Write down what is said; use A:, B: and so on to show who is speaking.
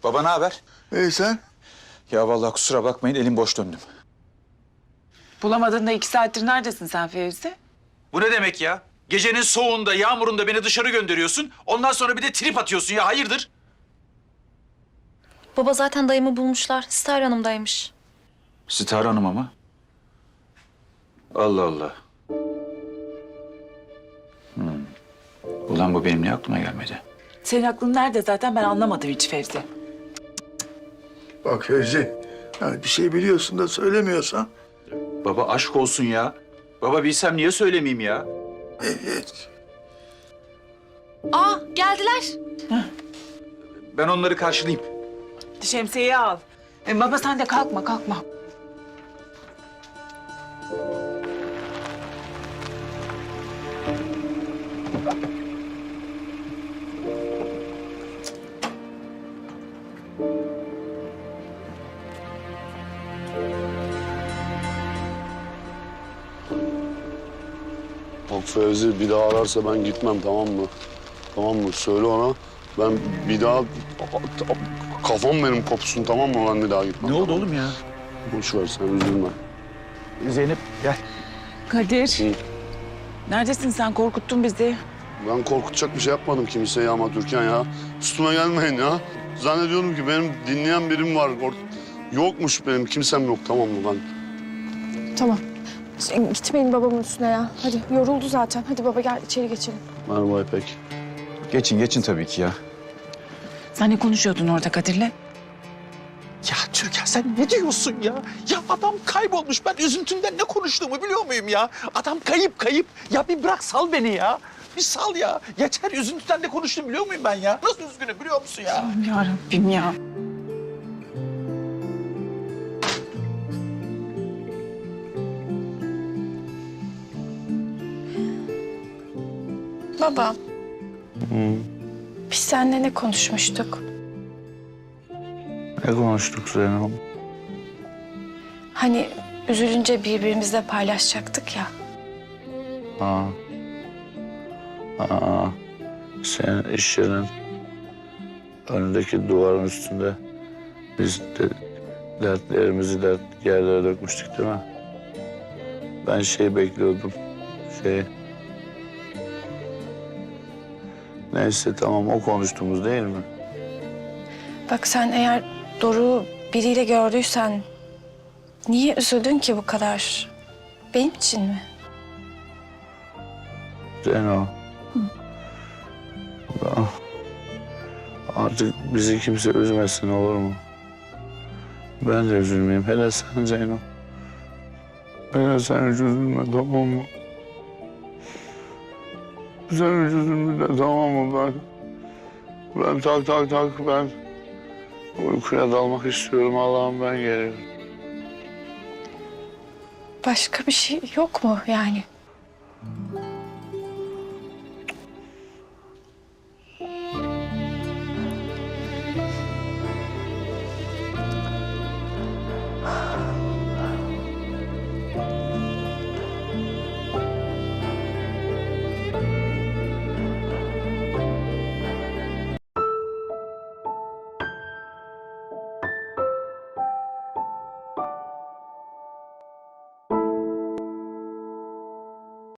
A: Baba ne haber?
B: Sen?
A: Ya vallahi kusura bakmayın elim boş döndüm.
C: Bulamadın da 2 saattir neredesin sen Fevzi?
A: Bu ne demek ya? Gecenin soğuğunda, yağmurunda beni dışarı gönderiyorsun. Ondan sonra bir de trip atıyorsun ya. Hayırdır?
D: Baba zaten dayımı bulmuşlar. Star Hanım'daymış.
A: Sitar Hanım ama. Allah Allah. Ulan bu benim niye aklıma gelmedi?
C: Senin aklın nerede zaten ben anlamadım hiç Fevzi.
B: Bak Fevzi, yani bir şey biliyorsun da söylemiyorsan.
A: Baba aşk olsun ya. Baba bilsem niye söylemeyeyim ya?
B: Evet.
D: Aa geldiler.
A: Ben onları karşılayayım.
C: Şemsiyeyi al. Baba sen de kalkma.
E: Bak Fevzi bir daha ararsa ben gitmem, tamam mı? Tamam mı? Söyle ona. Ben bir daha kafam benim kopsun, tamam mı? Ben bir daha gitmem.
A: Ne oldu oğlum ya?
E: Boş ver sen, üzülme.
A: Zeynep gel.
C: Kadir.
E: Hı.
C: Neredesin sen? Korkuttun bizi.
E: Ben korkutacak bir şey yapmadım kimseye ama Türkan ya. Üstüme gelmeyin ya. Zannediyorum ki benim dinleyen birim var. Yokmuş benim, kimsem yok, tamam mı ben?
F: Tamam. Gitmeyin babamın üstüne ya. Hadi yoruldu zaten. Hadi baba gel içeri geçelim.
E: Merhaba İpek.
A: Geçin tabii ki ya.
C: Sen ne konuşuyordun orada Kadir'le?
G: Ya Türkan sen ne diyorsun ya? Ya adam kaybolmuş. Ben üzüntümden ne konuştuğumu biliyor muyum ya? Adam kayıp. Ya bir bırak sal beni ya. Bir sal ya. Yeter üzüntüden ne konuştuğumu biliyor muyum ben ya? Nasıl üzgünüm biliyor musun ya?
C: Ya Rabbim ya.
F: Baba. Biz seninle ne konuşmuştuk?
E: Ne konuştuk Zeynep?
F: Hani üzülünce birbirimizle paylaşacaktık ya.
E: Ha. Senin iş yerinin önündeki duvarın üstünde biz de dertlerimizi yerlere dökmüştük değil mi? Ben bekliyordum. Neyse tamam, o konuştuğumuz değil mi?
F: Bak sen eğer Doruk'u biriyle gördüysen niye üzüldün ki bu kadar? Benim için mi?
E: Zeyno. Artık bizi kimse üzmesin, olur mu? Ben de üzülmeyeyim. Hele sen Zeyno. Hele sen hiç üzülme, tamam mı? Sen hiç üzülme de, tamam mı? Ben ben uykuya dalmak istiyorum. Allah'ım ben geliyorum.
F: Başka bir şey yok mu yani?